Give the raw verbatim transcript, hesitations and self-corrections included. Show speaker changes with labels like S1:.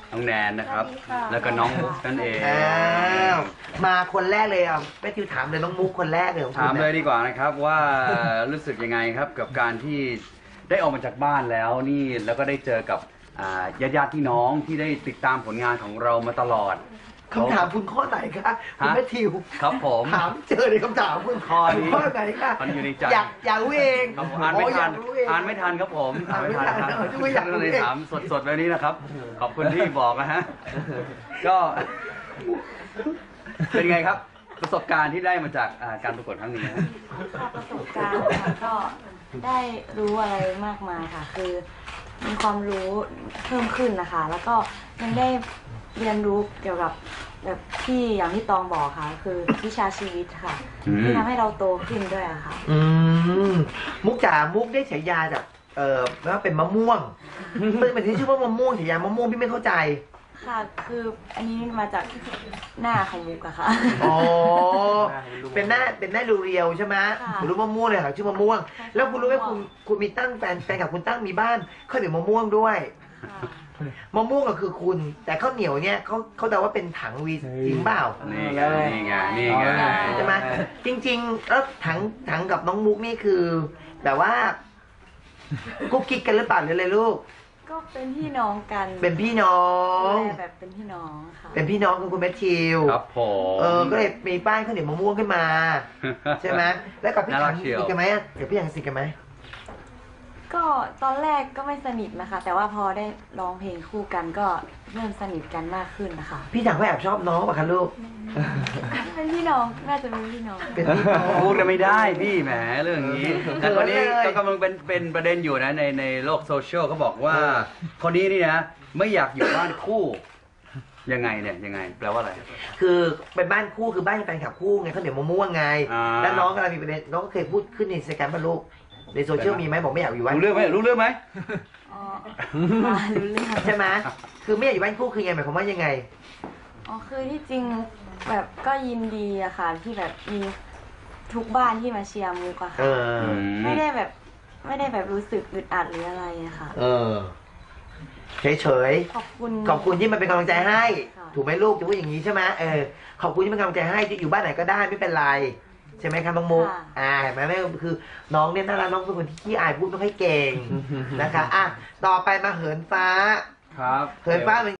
S1: น้องแนนนะครับแล้วก็น้องมุกนั่นเอง
S2: อ้าวมาคนแรกเลยอ่ะแม่ทิวถามเลยน้องมุกคนแรกเลยของคุณ
S1: ถามเลยดีกว่านะครับว่ารู้สึกยังไงครับกับการที่ได้ออกมาจากบ้านแล้วนี่แล้วก็ได้เจอกับญาติญาติพี่น้องที่ได้ติดตามผลงานของเรามาตลอด
S2: คำถามคุณข้อไหนคะคุณแม่ทิว
S1: ครับผม
S2: ถามเจอในคำถามคุณข้อข้อไหนคะ
S1: มันอยู่ในใจ
S2: อยากอยากรู้เอง
S1: อ่านไม่ทันอ่านไม่ทันครับผมอ่านไม่ทันครับก็เลยถามสดๆแบบนี้นะครับขอบคุณที่บอกนะฮะก็เป็นไงครับประสบการณ์ที่ได้มาจากการประกวดครั้งนี้
S3: ประสบการณ์ก็ได้รู้อะไรมากมายค่ะคือมีความรู้เพิ่มขึ้นนะคะแล้วก็ยังได้เรียนรู้เกี่ยวกับแบบที่อย่างที่ตองบอกค่ะคือวิชาชีวิตค่ะที่ทำให้เราโตขึ้นด้วยค่ะ
S2: อืมมุกจ๋ามุกได้ฉายาจากเอ่อว่าเป็นมะม่วงเป็นเป็นที่ชื่อว่ามะม่วงฉายามะม่วงพี่ไม่เข้าใจ
S3: ค่ะคืออันนี้มาจากหน้าของมุกอะค่ะ
S2: อ๋อเป็นหน้าเป็นหน้าเรียวๆใช่ไหมคุณรู้มะม่วงเลยค่ะชื่อมะม่วงแล้วคุณรู้ไหมคุณคุณมีตั้งแฟนแฟนกับคุณตั้งมีบ้านข้าวเหนียวมะม่วงด้วยมะม่วงก็คือคุณแต่ข้าวเหนียวเนี่ยเขาเขาเดาว่าเป็นถังวีจริงเปล่า
S1: นี่ไงนี่ไงนี่ไง
S2: ใช่ไหมจริงๆแล้วถังถังกับน้องมุกนี่คือแบบว่ากุ๊กกิ๊กกันหรือเปล่าหรืออะไรลูก
S3: ก็เป็นพี่น้องกัน
S2: เป็นพี่น้อง
S3: แบบเป็นพี่น้องค่ะ
S2: เป็นพี่น้องคือคุณแมทธิว
S1: ครับผม
S2: เออก็เลยมีป้ายข้าวเหนียวมะม่วงขึ้นมาใช่ไหมแล้วกับพี่ถังสนิทกันไหมกับพี่ถังสนิทกันไหม
S3: ก็ตอนแรกก็ไม่สนิทนะคะแต่ว่าพอได้ร้องเพลงคู่กันก็เริ่มสนิทกันมากขึ้นนะคะ
S2: พี่ถังก็แอบชอบน้องป่ะคะลูก
S3: เป็นพี่น้องน่าจะเป็นพี่น้อง
S2: เป็นพี่น้อง
S1: พูดกันไม่ได้พี่แหมเรื่องนี้แต่ตอนนี้ก็กำลังเป็นเป็นประเด็นอยู่นะในในโลกโซเชียลเขาบอกว่าคนนี้นี่นะไม่อยากอยู่บ้านคู่ยังไงเนี่ยยังไงแปลว่าอะไร
S2: คือเป็นบ้านคู่คือบ้านแฟนคลับคู่ไงเขาเดี๋ยวมะม่วงไงแล้วน้องกำลังมีประเด็นน้องก็เคยพูดขึ้นในอินสตาแกรมป่ะลูกในโซเชียลมีไหมบอกไม่อยากอยู่บ้าน
S1: รู้เรื่องไหมรู้เรื่องไหม
S3: อ๋อรู้เรื่อง
S2: ใช่ไหมคือไม่อยากอยู่บ้านคู่คือไงหมายความว่ายังไง
S3: อ๋อคือที่จริงแบบก็ยินดีอะค่ะที่แบบมีทุกบ้านที่มาเชียร์มุกอะค่ะไม่ได้แบบไม่ได้แบบรู้สึกอึดอัดหรืออะไรอะค่ะ
S2: เออเฉยเฉย
S3: ขอบคุณ
S2: ขอบคุณที่มันเป็นกำลังใจให้ถูกไหมลูกจะพูดอย่างนี้ใช่ไหมเออขอบคุณที่เป็นกำลังใจให้จะอยู่บ้านไหนก็ได้ไม่เป็นไรใช่ไหมครับน้องมุกอ่าเห็นไหมแม่คือน้องเนี่ยน่ารักน้องเป็นคนที่ขี้อายพูดไม่ค่อยเก่งนะคะอ่ะต่อไปมาเหินฟ้า
S1: ครับ
S2: เหินฟ้าเป็น